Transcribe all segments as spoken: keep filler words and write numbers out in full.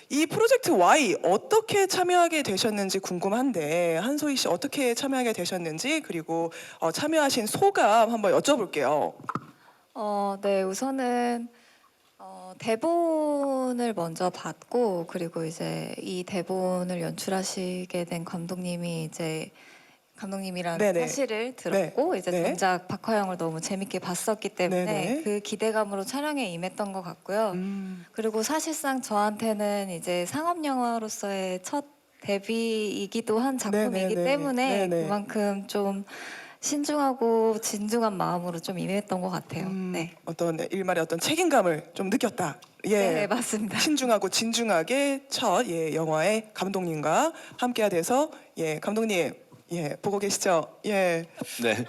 이 프로젝트 Y 어떻게 참여하게 되셨는지 궁금한데 한소희 씨 어떻게 참여하게 되셨는지 그리고 어, 참여하신 소감 한번 여쭤볼게요. 어, 네, 우선은 어, 대본을 먼저 받고 그리고 이제 이 대본을 연출하시게 된 감독님이 이제 감독님이라는 네네. 사실을 들었고 이제 네. 전작 박화영을 너무 재밌게 봤었기 때문에 네네. 그 기대감으로 촬영에 임했던 것 같고요. 음, 그리고 사실상 저한테는 이제 상업 영화로서의 첫 데뷔이기도 한 작품이기 네네네. 때문에 네네. 그만큼 좀 신중하고 진중한 마음으로 좀 임했던 것 같아요. 음, 네. 어떤 일말의 어떤 책임감을 좀 느꼈다. 예. 네, 맞습니다. 신중하고 진중하게 첫 예, 영화의 감독님과 함께가 돼서 예, 감독님 예, 보고 계시죠? 예. 네.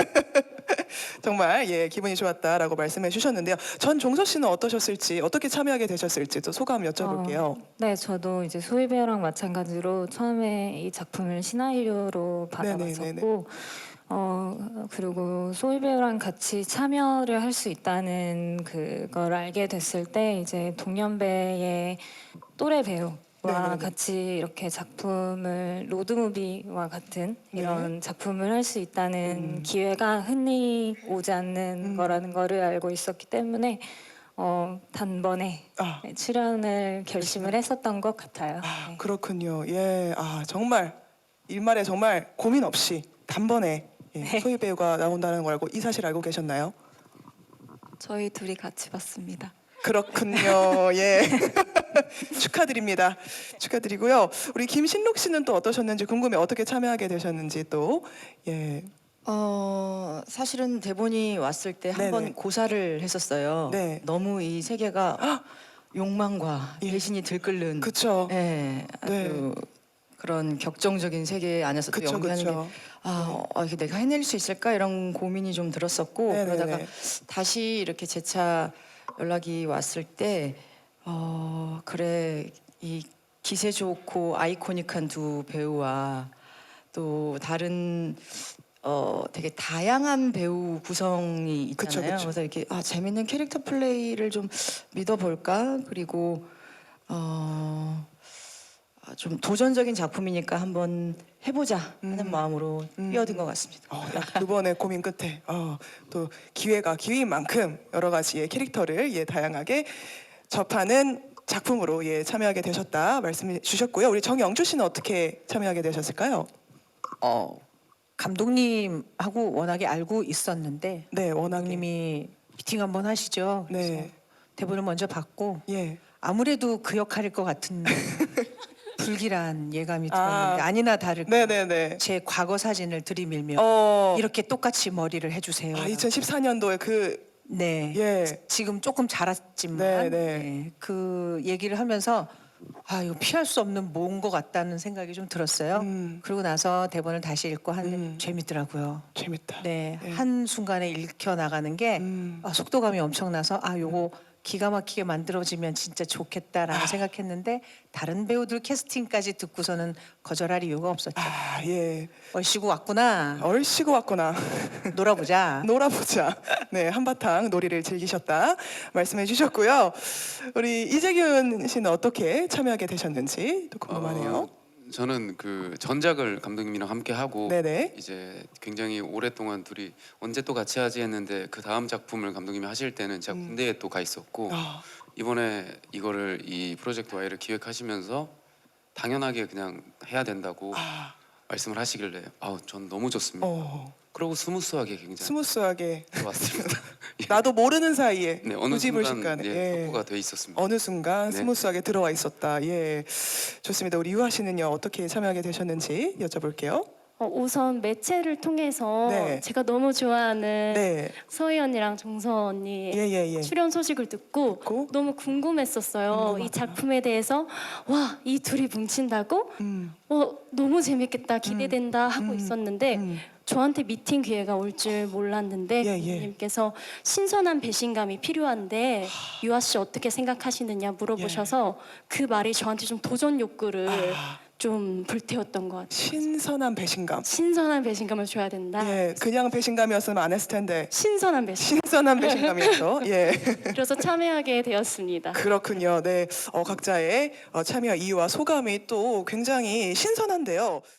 정말 예, 기분이 좋았다라고 말씀해 주셨는데요. 전 종서 씨는 어떠셨을지, 어떻게 참여하게 되셨을지 또 소감 여쭤볼게요. 어, 네, 저도 이제 소희 배우랑 마찬가지로 처음에 이 작품을 시나리오로 네네네네. 받아봤었고, 어 그리고 소희 배우랑 같이 참여를 할 수 있다는 그걸 알게 됐을 때 이제 동년배의 또래 배우와 네네네. 같이 이렇게 작품을 로드무비와 같은 이런 작품을 할 수 있다는 네. 음. 기회가 흔히 오지 않는 음. 거라는 거를 알고 있었기 때문에 어, 단번에 아, 출연을 결심을 했었던 것 같아요. 아, 네. 그렇군요. 예, 아 정말 일말에 정말 고민 없이 단번에 예, 네. 소희 배우가 나온다는 걸 알고 이 사실 알고 계셨나요? 저희 둘이 같이 봤습니다. 그렇군요. 예. 축하드립니다. 축하드리고요. 우리 김신록 씨는 또 어떠셨는지 궁금해. 어떻게 참여하게 되셨는지 또 예. 어 사실은 대본이 왔을 때 네네. 한 번 고사를 했었어요. 네. 너무 이 세계가 욕망과 예. 배신이 들끓는 그쵸. 예, 아주 네. 그런 격정적인 세계 안에서 또 그쵸, 연기하는 그쵸. 게 아, 어, 이게 내가 해낼 수 있을까 이런 고민이 좀 들었었고 네네네. 그러다가 다시 이렇게 재차 연락이 왔을 때 어, 그래 이 기세 좋고 아이코닉한 두 배우와 또 다른 어 되게 다양한 배우 구성이 있잖아요. 그쵸, 그쵸. 그래서 이렇게 아 재밌는 캐릭터 플레이를 좀 믿어볼까 그리고 어. 아, 좀 도전적인 작품이니까 한번 해보자 하는 음. 마음으로 음. 뛰어든 것 같습니다. 어, 딱 두 번의 고민 끝에 어, 또 기회가 기회인 만큼 여러 가지의 캐릭터를 예, 다양하게 접하는 작품으로 예, 참여하게 되셨다 말씀해 주셨고요. 우리 정영주 씨는 어떻게 참여하게 되셨을까요? 어, 감독님하고 워낙에 알고 있었는데 네, 워낙에 감독님이 미팅 한번 하시죠. 그래서 네, 대본을 먼저 받고 예, 아무래도 그 역할일 것 같은 불길한 예감이 아. 들었는데 아니나 다를까 네, 네, 네. 제 과거 사진을 들이밀며 어, 이렇게 똑같이 머리를 해주세요. 아, 이천십사 년도에 그 네. 예, 지금 조금 자랐지만 네, 네. 네, 그 얘기를 하면서 아 이거 피할 수 없는 뭔 것 같다는 생각이 좀 들었어요. 음. 그러고 나서 대본을 다시 읽고 하는데 음. 재밌더라고요. 재밌다. 네, 네. 한 순간에 읽혀 나가는 게 음. 아, 속도감이 엄청나서 아 요거 기가 막히게 만들어지면 진짜 좋겠다라고 아. 생각했는데 다른 배우들 캐스팅까지 듣고서는 거절할 이유가 없었죠. 아, 예, 얼씨구 왔구나. 얼씨구 왔구나. 놀아보자. 놀아보자. 네, 한바탕 놀이를 즐기셨다 말씀해 주셨고요. 우리 이재균 씨는 어떻게 참여하게 되셨는지 또 궁금하네요. 어, 저는 그 전작을 감독님이랑 함께 하고 네네. 이제 굉장히 오랫동안 둘이 언제 또 같이 하지 했는데 그 다음 작품을 감독님이 하실 때는 제가 음. 군대에 또 가 있었고 아, 이번에 이거를 이 프로젝트 Y를 기획하시면서 당연하게 그냥 해야 된다고 아, 말씀을 하시길래 아우 전 너무 좋습니다. 어, 그리고 스무스하게 굉장히 스무스하게 좋았습니다. 나도 모르는 사이에 네, 어느 구지불식간에 순간 예, 확보가 돼 있었습니다. 어느 순간 네. 스무스하게 들어와 있었다. 예, 좋습니다. 우리 유아 씨는요 어떻게 참여하게 되셨는지 여쭤볼게요. 어, 우선 매체를 통해서 네. 제가 너무 좋아하는 네, 서희 언니랑 정서 언니 예예예. 출연 소식을 듣고 듣고? 너무 궁금했었어요. 궁금하구나. 이 작품에 대해서 와, 이 둘이 뭉친다고? 음, 어, 너무 재밌겠다, 기대된다 하고 음, 있었는데 음. 저한테 미팅 기회가 올 줄 몰랐는데 예, 예. 감독님께서 신선한 배신감이 필요한데 유아 씨 어떻게 생각하시느냐 물어보셔서 그 말이 저한테 좀 도전 욕구를 아. 좀 불태웠던 것 같아요. 신선한 배신감. 신선한 배신감을 줘야 된다. 예, 그냥 배신감이었으면 안 했을 텐데 신선한 배신. 신선한 배신감이었죠. 예. 그래서 참여하게 되었습니다. 그렇군요. 네, 어, 각자의 어, 참여 이유와 소감이 또 굉장히 신선한데요.